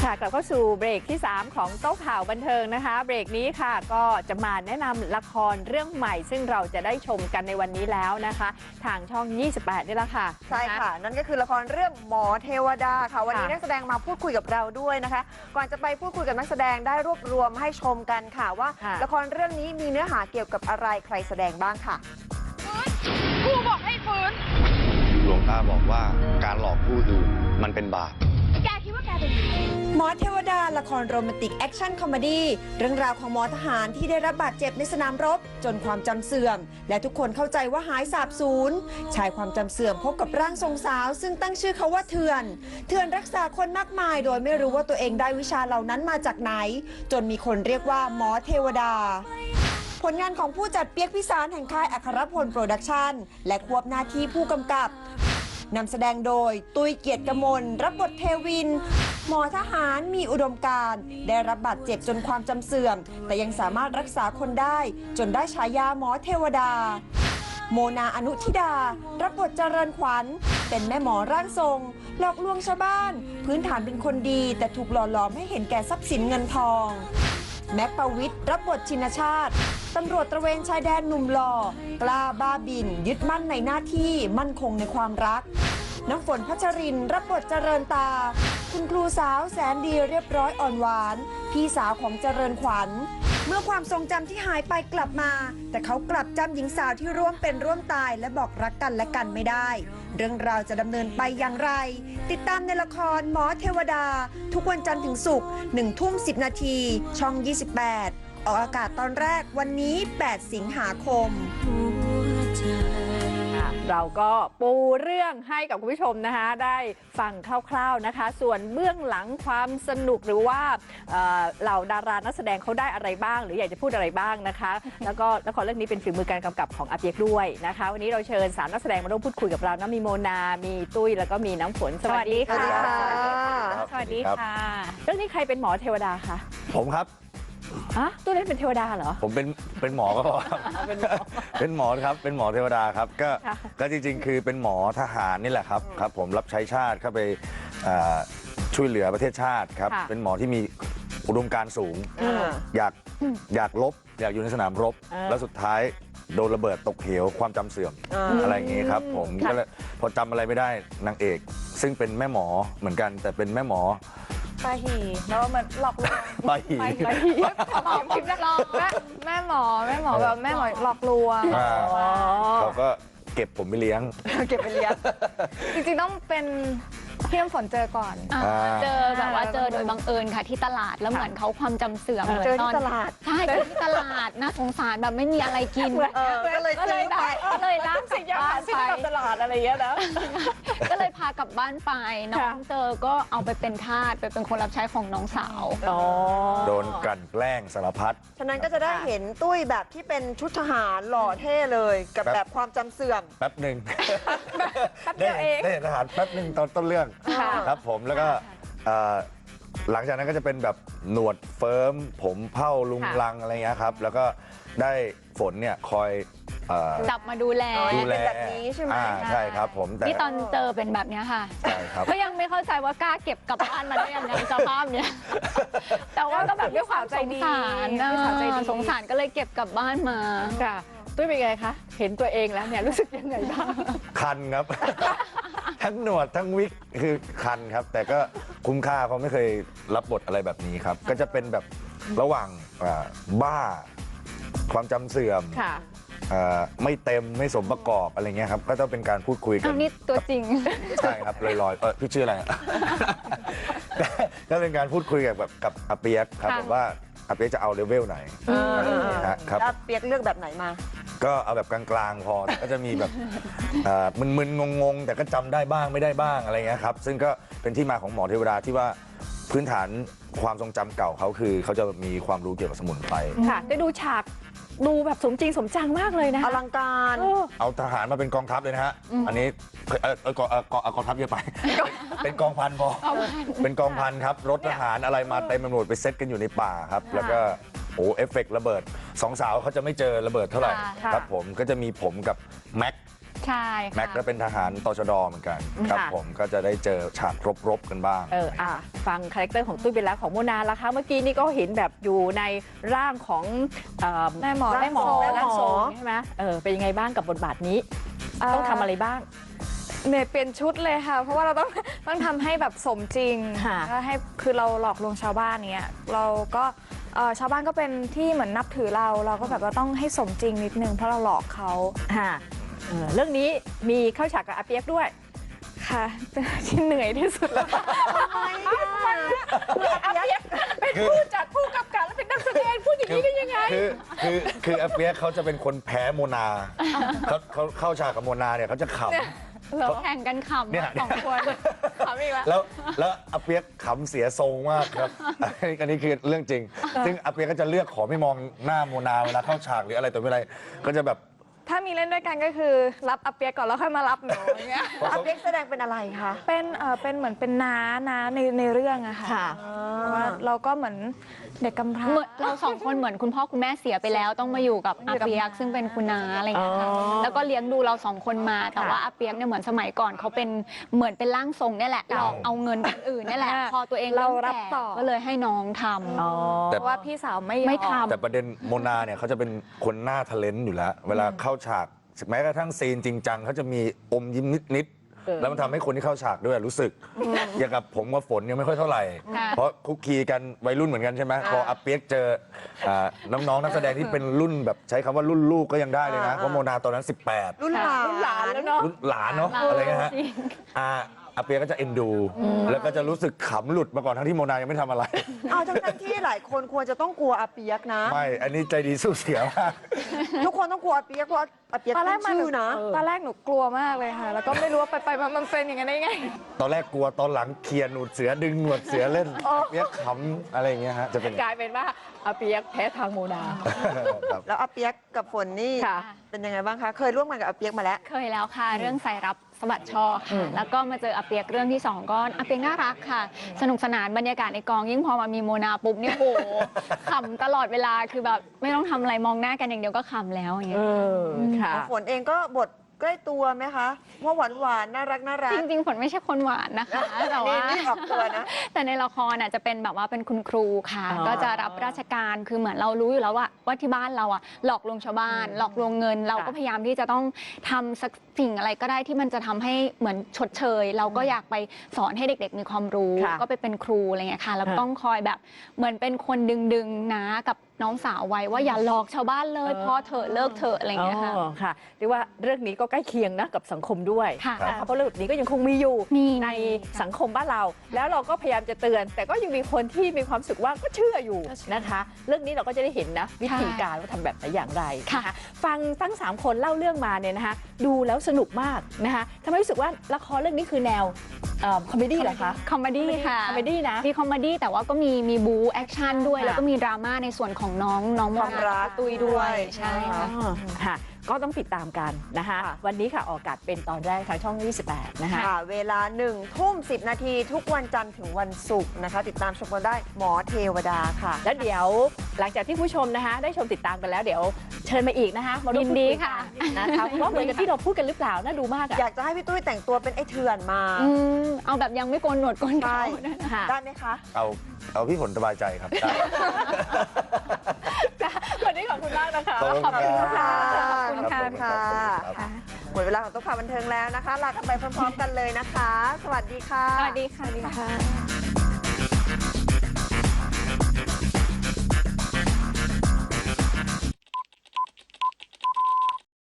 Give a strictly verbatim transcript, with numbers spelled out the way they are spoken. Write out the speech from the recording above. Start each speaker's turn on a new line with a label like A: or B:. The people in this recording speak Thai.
A: ค่ะกลับเข้าสู่เบรกที่สามของโต๊ะข่าวบันเทิงนะคะเบรกนี้ค่ะก็จะมาแนะนำละครเรื่องใหม่ซึ่งเราจะได้ชมกันในวันนี้แล้วนะคะทางช่องยี่สิบแปดนี่แหละค่ะ
B: ใช่ค่ะนั่นก็คือละครเรื่องหมอเทวดาค่ะวันนี้นักแสดงมาพูดคุยกับเราด้วยนะคะก่อนจะไปพูดคุยกับนักแสดงได้รวบรวมให้ชมกันค่ะว่าละครเรื่องนี้มีเนื้อหาเกี่ยวกับอะไรใครแสดงบ้างค่ะ
C: ครูบอกให้ฟื้น
D: หลวงตาบอกว่าการหลอกผู้อื่นมันเป็นบาป
C: แกคิดว่าแกเป็นใคร
E: หมอเทวดาละครโรแมนติกแอคชั่นคอมเมดี้เรื่องราวของหมอทหารที่ได้รับบาดเจ็บในสนามรบจนความจำเสื่อมและทุกคนเข้าใจว่าหายสาบสูญชายความจำเสื่อมพบกับร่างทรงสาวซึ่งตั้งชื่อเขาว่าเถื่อนเถื่อนรักษาคนมากมายโดยไม่รู้ว่าตัวเองได้วิชาเหล่านั้นมาจากไหนจนมีคนเรียกว่าหมอเทวดาผลงานของผู้จัดเปียกพิสารแห่งค่ายอัครพลโปรดักชั่นและควบหน้าที่ผู้กำกับนำแสดงโดยตุ้ยเกียรติกมลรับบทเทวินหมอทหารมีอุดมการณ์ได้รับบาดเจ็บจนความจำเสื่อมแต่ยังสามารถรักษาคนได้จนได้ฉายาหมอเทวดาโมนาอนุทิดารับบทเจริญขวัญเป็นแม่หมอร่างทรงหลอกลวงชาวบ้านพื้นฐานเป็นคนดีแต่ถูกหล่อหลอมให้เห็นแก่ทรัพย์สินเงินทองแม็กปวิทย์รับบทชินชาติตำรวจตระเวนชายแดนหนุ่มหล่อกล้าบ้าบินยึดมั่นในหน้าที่มั่นคงในความรักน้ำฝนพัชรินรับบทเจริญตาคุณครูสาวแสนดีเรียบร้อยอ่อนหวานพี่สาวของเจริญขวัญเมื่อความทรงจำที่หายไปกลับมาแต่เขากลับจำหญิงสาวที่ร่วมเป็นร่วมตายและบอกรักกันและกันไม่ได้เรื่องราวจะดำเนินไปอย่างไรติดตามในละครหมอเทวดาทุกวันจันทร์ถึงศุกร์หนึ่งทุ่มสิบนาทีช่องยี่สิบแปดออกอากาศตอนแรกวันนี้แปดสิงหาคม
A: เราก็ปูเรื่องให้กับคุณผู้ชมนะคะได้ฟังคร่าวๆนะคะส่วนเบื้องหลังความสนุกหรือว่าเหล่าดารานักแสดงเขาได้อะไรบ้างหรืออยากจะพูดอะไรบ้างนะคะแล้วก็ละครเรื่องนี้เป็นฝีมือการกำกับของอาเปียกด้วยนะคะวันนี้เราเชิญสามนักแสดงมาร่วมพูดคุยกับเรานะมีโมนามีตุ้ยแล้วก็มีน้ำฝนสวัสดีค่ะสวัสดีค่ะเรื่องนี้ใครเป็นหมอเทวดาคะ
D: ผมครับ
A: ฮะตุ้ยเล่นเป็นเทวดาเหรอ
D: ผมเป็นเป็นหมอก็พอครับเป็นหมอครับเป็นหมอเทวดาครับก็ก็จริงๆคือเป็นหมอทหารนี่แหละครับครับผมรับใช้ชาติเข้าไปช่วยเหลือประเทศชาติครับเป็นหมอที่มีอุดมการณ์สูงอยากอยากลบอยากอยู่ในสนามรบแล้วสุดท้ายโดนระเบิดตกเหวความจำเสื่อมอะไรอย่างงี้ครับผมก็เลยพอจำอะไรไม่ได้นางเอกซึ่งเป็นแม่หมอเหมือนกันแต่เป็นแม่หมอ
C: ปาหีแล้วเหมือนหลอกลวง
D: ปาหี
C: ปาหีหลอกพิมพ์หลอกแม่แม่หมอแม่หมอแบบแม่หมอหลอกลวง
D: เขาก็เก็บผมไปเลี้ยง
C: เก็บไปเลี้ยงจริงๆต้องเป็นพี่น้ำฝนเจอก่อน
F: เจอแบบว่าเจอโดยบังเอิญค่ะที่ตลาดแล้วเหมือนเขาความจำเสื่อม
B: เจอที่ตลาด
F: ใช่เจอที่ตลาดน่าสงสารแบบไม่มีอะไรกิน
B: ก็เลยซื้อไป
F: เลยลาก
A: สิ่งยาไปตลาดอะไรเงี้ยนะ
F: ก็เลยพากลับบ้านไปน้องเจอก็เอาไปเป็นทาสไปเป็นคนรับใช้ของน้องสาว
D: โดนกลั่นแกล้งสารพัด
B: ฉะนั้นก็จะได้เห็นตุ้ยแบบที่เป็นชุดทหารหล่อเท่เลยกับแบบความจำเสื่อม
D: แป๊บหนึ่ง
A: แป๊บเดียวเอง
D: ได้เห็นทหารแป๊บหนึ่งตอนต้นเรื่องครับผมแล้วก็หลังจากนั้นก็จะเป็นแบบหนวดเฟิร์มผมเผ้าลุงลังอะไรเงี้ยครับแล้วก็ได้ฝนเนี่ยคอย
F: จับมาดูแล
D: ดูแล
B: แบบนี้ใช่ไหม
D: ใช่ครับผม
F: แต่ที่ตอนเจอเป็นแบบนี้ค่ะ
D: ใช่ครับ
F: ก็ยังไม่เข้าใจว่ากล้าเก็บกลับบ้านมาได้ยังไงสภาพเนี้ยแต่ว่าก็แบบด้วยความสงสารนะสงสารก็เลยเก็บกลับบ้านมา
A: ค่ะตุ้ยเป็นไงคะเห็นตัวเองแล้วเนี่ยรู้สึกยังไงบ้าง
D: คันครับทั้งหนวดทั้งวิกคือคันครับแต่ก็คุ้มค่าเพราะไม่เคยรับบทอะไรแบบนี้ครับก็จะเป็นแบบระหว่างบ้าความจำเสื่อมไม่เต็มไม่สมประกอบอะไรเงี้ยครับก็ต้องเป็นการพูดคุยกัน
F: นี่ตัวจริง
D: ใช่ครับลอยๆเออพี่ชื่ออะไรก็เป็นการพูดคุยกับแบบกับอาเปียกครับแบบว่าอาเปียกจะเอาเลเวลไหน
B: ครับอาเปียกเลือกแบบไหนมา
D: ก็เอาแบบกลางๆพอก็จะมีแบบมึนๆงงๆแต่ก็จำได้บ้างไม่ได้บ้างอะไรเงี้ยครับซึ่งก็เป็นที่มาของหมอเทวดาที่ว่าพื้นฐานความทรงจำเก่าเขาคือเขาจะมีความรู้เกี่ยวกับสมุนไพร
A: ค่ะได้ดูฉากดูแบบสมจริงสมจังมากเลยนะ
B: อลังการ
D: เอาทหารมาเป็นกองทัพเลยนะฮะอันนี้เออเออกองกองทัพเยอะไปเป็นกองพันพอเป็นกองพันครับรถทหารอะไรมาเต็มไปหมดไปเซตกันอยู่ในป่าครับแล้วก็โอ้เอฟเฟกต์ระเบิดสองสาวเขาจะไม่เจอระเบิดเท่าไหร่ครับผมก็จะมีผมกับแม็ก
F: ใช่ค่ะ
D: แม็กก็เป็นทหารตชดเหมือนกันครับ
A: ค่ะ
D: ผมก็จะได้เจอฉากรบๆกันบ้าง
A: เอออ่ะฟังคาแรคเตอร์ของตุ้ยไปแล้วของโมนาละคะเมื่อกี้นี่ก็เห็นแบบอยู่ในร่างของเอ่อ
C: แม่หมอ
A: แม่หมอ
B: แม่
A: ร่าง
B: หมอ
A: ทรงใช่ไหมเออเป็นยังไงบ้างกับบทบาทนี้ ต้องทำอะไรบ้าง
C: เมย์เปลี่ยนชุดเลยค่ะ เพราะว่าเราต้อง ต้องทำให้แบบสมจริง
A: ค่ะ
C: แล้วให้คือเราหลอกลวงชาวบ้านเนี้ยเราก็เอ่อชาวบ้านก็เป็นที่เหมือนนับถือเรา เราก็แบบว่าต้องให้สมจริงนิดนึงเพราะเราหลอกเขา
A: ค่ะเออเรื่องนี้มีเข้าฉากกับอาเปียกด้วย
C: ค่ะ ที่เหนื่อยที่สุดแล้ว
A: อาเปียกเป็นผู้จัดผู้กำกับและเป็นนักแสดงพูดอย่างนี้ได้ยังไง
D: คือคือคืออาเปียกเขาจะเป็นคนแพ้โมนาเขาเขาเข้าฉากกับโมนาเนี่ยเขาจะขำ
F: เราแข่งกันขำ
D: เนี่ย
F: สองคนขำอีกแล้ว
D: แล้วแล้วอาเปียกขำเสียทรงมากครับ อันนี้คือเรื่องจริง ซึ่งอาเปียกก็จะเลือกขอไม่มองหน้าโมนาเวลาเข้าฉากหรืออะไรต่อไม่อะไรก็จะแบบ
C: ถ้ามีเล่นด้วยกันก็คือรับอาเปียกก่อนแล้วค่อยมารับหนูอย่างเงี้ย
B: อาเปียกแสดงเป็นอะไรคะ
C: เป็นเอ่อเป็นเหมือนเป็นน้าน้าในในเรื่องอะค่ะ
A: ค่ะ
C: เพราะว่าเราก็เหมือนเด็กกำพร้า
F: เหมือนเราสองคนเหมือนคุณพ่อคุณแม่เสียไปแล้ว ต้องมาอยู่กับอาเปียกซึ่งเป็นคุณน้าอะไรอย่างเงี้ยค่ะ
A: อ๋อ
F: แล้วก็เลี้ยงดูเราสองคนมา แต่ว่าอาเปียกเนี่ยเหมือนสมัยก่อนเขาเป็นเหมือนเป็นร่างทรงเนี่ยแหละหลอกเอาเงินคนอื่นเนี่ยแหละ พอตัวเอง
C: เรา
F: ม
C: รับ
F: แก่
C: ต่อ
F: ก็เลยให้น้องทำ
A: อ๋อ
C: เพราะว่าพี่สาวไม่ยอ
F: ไม่ทำ
D: แต่ประเด็นโมนาเนี่ยเขาจะเป็นคนหน้าทะเลนต์อยู่แล้ว เวลาเข้าฉากแม้กระทั่งซีนจริงจังเขาจะมีอมยิ้มนิด
A: เออ
D: ๆแล้วมันทำให้คนที่เข้าฉากด้วยรู้สึก อย่างกับผมกับฝนยังไม่ค่อยเท่าไหร่
F: ค่ะ
D: เพราะคุกคีกันวัยรุ่นเหมือนกันใช่ไหมพออาเปียกเจออ่าน้องๆนักแสดงที่เป็นรุ่นแบบใช้คำว่ารุ่นลูกก็ยังได้เลยนะเพราะโมนาตอนนั้นสิบแปด
B: รุ่นหลาน
A: รุ่นหลานแล้วเนาะ
D: รุ่นหลานเนาะอะไรเงี้ยฮะอาอาเปียกก็จะเอ็นดู แล้วก็จะรู้สึกขำหลุดมาก่อนทั้งที่โมนายังไม่ทำอะไร
B: เอาทั้งๆที่หลายคนควรจะต้องกลัวอาเปียกนะ
D: ไม่ อันนี้ใจดีสู้เสียมาก
B: ทุกคนต้องกลัวอาเปียกเพราะอาเปียก
C: ตอนแร
B: ตั้
C: ก
B: ง
C: มัน
B: ชื่อนะ
C: ตอนแรกหนูกลัวมากเลยค่ะ แล้วก็ไม่รู้ว่าไปไปมามันเป็นอย่างนั้นได้ไง
D: ตอนแรกกลัวตอนหลังเคลียร์หนวดเสือดึงหนวดเสือเล่นเปียกขำอะไรอย่างเงี้ยฮะจะเป็น
A: กลายเป็นว่าอาเปียกแพ้ทางโมนา
D: ครับ
B: แล้วอาเปียกกับฝนนี่
A: ค่ะ
B: เป็นยังไงบ้างคะ เคยร่วมงานกับอาเปียกมาแล้ว
F: เคยแล้วค่ะ เรื่องสายรับสะบัดช่อค่ะ แล้วก็มาเจออาเปียกเรื่องที่สองก็อาเปียกน่ารักค่ะ สนุกสนานบรรยากาศในกองยิ่งพอมามีโมนาปุ๊บเนี่ยโอ้โห ขำตลอดเวลาคือแบบไม่ต้องทำอะไรมองหน้ากันอย่างเดียวก็ขำแล้วอย่างเงี้
A: เอย อค่ะ
B: ฝนเองก็บทใกล้ตัวไหมคะว่าหวานหวานๆน่ารักน่ารัก
F: จริงๆฝนไม่ใช่คนหวานนะคะแต่ว่า
B: นี่ออกตัวนะ
F: แต่ในละครน่ะจะเป็นแบบว่าเป็นคุณครูค่ะ
A: อ๋อ
F: ก็จะรับราชการคือเหมือนเรารู้อยู่แล้วว่าว่าที่บ้านเราอ่ะหลอกลวงชาวบ้าน หลอกลวงเงิน เราก็พยายามที่จะต้องทำสักสิ่งอะไรก็ได้ที่มันจะทำให้เหมือนชดเชย เราก็อยากไปสอนให้เด็ก ๆ มีความรู้
A: ค่ะ
F: ก็ไปเป็นครูอะไรเงี้ยค่ะแล้วก็ต้องคอยแบบเหมือนเป็นคนดึงๆนะกับน้องสาวไว้ว่าอย่าหลอกชาวบ้านเลยพอเถอะเลิกเถอะอะไรเงี้ยค่ะ
A: อ๋อค่ะเรียกว่าเรื่องนี้ก็ใกล้เคียงนะกับสังคมด้วย
F: ค่ะ
A: นะคะเพราะเรื่องแบบนี้ก็ยังคงมีอยู่
F: มี
A: ในสังคมบ้านเรา แล้วเราก็พยายามจะเตือน แต่ก็ยังมีคนที่มีความรู้สึกว่าก็เชื่ออยู่นะคะ เรื่องนี้เราก็จะได้เห็นนะวิธีการว่าทำแบบไหนอย่างไร
F: ค่ะ
A: นฟังทั้งสามคนเล่าเรื่องมาเนี่ยนะคะดูแล้วสนุกมากนะคะทำให้รู้สึกว่าละครเรื่องนี้คือแนวคอมเมดี้เหรอคะ
F: คอมเมดี้ค่ะ
A: คอมเมดี้นะ
F: มีคอมเมดี้แต่ว่าก็มีมีบูแอคชั่นด้วย
A: ค่ะ
F: แล้วก็มีดราม่าในส่วนของน้องน้องโม
B: ความ
F: นา
B: รัก
F: ตุยด้วย
B: ด้วย
F: ใช่ค่ะ
A: อ๋อค่ะ ก็ต้องติดตามกันนะคะ วันนี้ค่ะออกอากาศเป็นตอนแรกทางช่อง ยี่สิบแปด นะคะ
B: ค่ะ เวลาหนึ่งทุ่มสิบนาทีทุกวันจันทร์ถึงวันศุกร์นะคะ ติดตามชมกันได้หมอเทวดาค่ะ
A: แล้วเดี๋ยวหลังจากที่ผู้ชมนะคะ ได้ชมติดตามกันแล้วเดี๋ยวเชิญมาอีกนะคะมาร่วม
F: ยินดี
A: พูคุย
F: ค่ะ
A: กันนะคะว่าเหมือนกับที่เราพูดกันหรือเปล่าน่าดูมากอะ
B: อยากจะให้พี่ตุ้ยแต่งตัวเป็นไอ้เถื่อนมา
F: อืมเอาแบบยังไม่โกนหนวดโกน
B: ใช่
F: เขาด้วยนะ
A: ค่ะ
B: ได้ไหมคะ
D: เอาเอาพี่ผลสบายใจครับได้
A: วันนี้ขอบคุณมากนะคะ
D: ขอบคุณครับ
B: ขอบคุณค่ะ
D: รับผม
B: ค่ะ
D: ครับ
B: หมดเวลาของตุ๊กพาบันเทิงแล้วนะคะ ลากันไปพร้อมๆกันเลยนะคะ สวัสดีค่ะ
F: สวัสดีค่ะ